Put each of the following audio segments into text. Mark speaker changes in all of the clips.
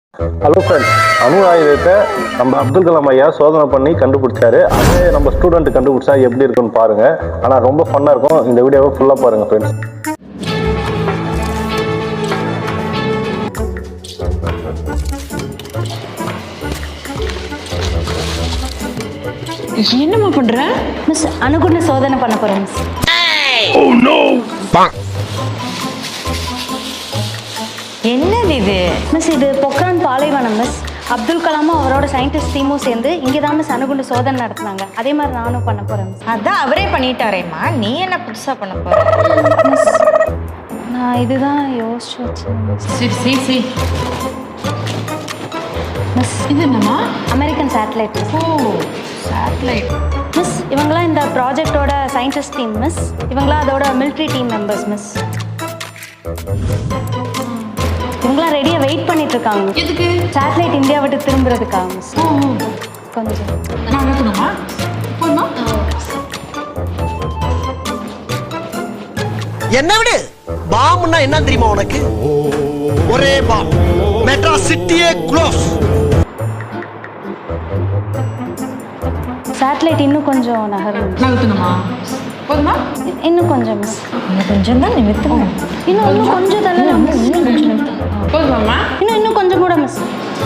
Speaker 1: Hello friends, அணு ஆயுதத்தை நம்ம அப்துல் கலாம் ஐயா சோதனை பண்ணி கண்டுபிடிச்சாரு. அதே நம்ம ஸ்டூடெண்ட் கண்டுபிடிச்சா எப்படி இருக்குன்னு பாருங்க. ஆனால் ரொம்ப ஃபன்னாக இருக்கும். இந்த வீடியோவை ஃபுல்லாக பாருங்க ஃப்ரெண்ட்ஸ்.
Speaker 2: என்னம்மா பண்ற?
Speaker 3: மிஸ் அணுகுண்டு சோதனை பண்ண போறேன் மிஸ்.
Speaker 2: என்னது இது?
Speaker 3: மிஸ் இது பொக்ரான் பாலைவனம் மிஸ். அப்துல் கலாமும் அவரோட சயின்டிஸ்ட் டீமும் சேர்ந்து இங்கே தான் மிஸ் அணுகுண்டு சோதனை நடத்துனாங்க. அதே மாதிரி நானும் பண்ண போறேன் மிஸ்.
Speaker 2: அதான் அவரே பண்ணிட்டாரேம்மா, நீ என்ன புதுசா பண்ண போற?
Speaker 3: மிஸ் நான் இதுதான் யோசிச்சு வச்சேன் மிஸ்.
Speaker 4: சரி
Speaker 3: மிஸ்
Speaker 4: இது என்னம்மா?
Speaker 3: American satellite miss.
Speaker 4: ஓ, சேட்டலைட்.
Speaker 3: மிஸ் இவங்களாம் இந்த ப்ராஜெக்டோட சயின்டிஸ்ட் டீம் மிஸ். இவங்களாம் அதோட மிலிட்ரி டீம் மெம்பர்ஸ் மிஸ். இவங்களாம் ரெடியாக வெயிட் பண்ணிட்டு இருக்காங்க மிஸ்.
Speaker 4: எதுக்கு?
Speaker 3: சேட்டலைட் இந்தியா விட்டு திரும்புறதுக்காக மிஸ்.
Speaker 4: ஓ,
Speaker 3: கொஞ்சம்
Speaker 4: நான் அனுப்பணுமா? போதுமா?
Speaker 5: என்ன விடு, பாம்னா என்ன தெரியுமா உனக்கு? ஒரே பாம், மெட்ராஸ் சிட்டியே க்ளோஸ்.
Speaker 3: சேட்டலைட் இன்னும் கொஞ்சம் நகரும் மிஸ்.
Speaker 4: நகர்த்தணுமா? போதுமா?
Speaker 3: இன்னும் கொஞ்சம் மிஸ்.
Speaker 2: இன்னும் கொஞ்சம் தான் நிமித்தம்.
Speaker 3: இன்னும் கொஞ்சம் தள்ளலாம் மிஸ். இன்னும் கொஞ்சம் நிமித்தம்.
Speaker 4: போதுமாம்மா?
Speaker 3: இன்னும் கொஞ்சம் கூட miss.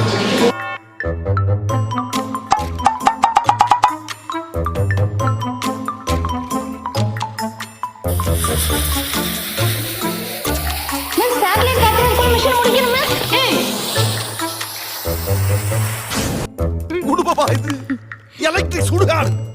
Speaker 3: Miss satellite capture mission முடிக்கணும் மிஸ்.
Speaker 5: குடும்பமா இது எலக்ட்ரிக் சுடுகாடு.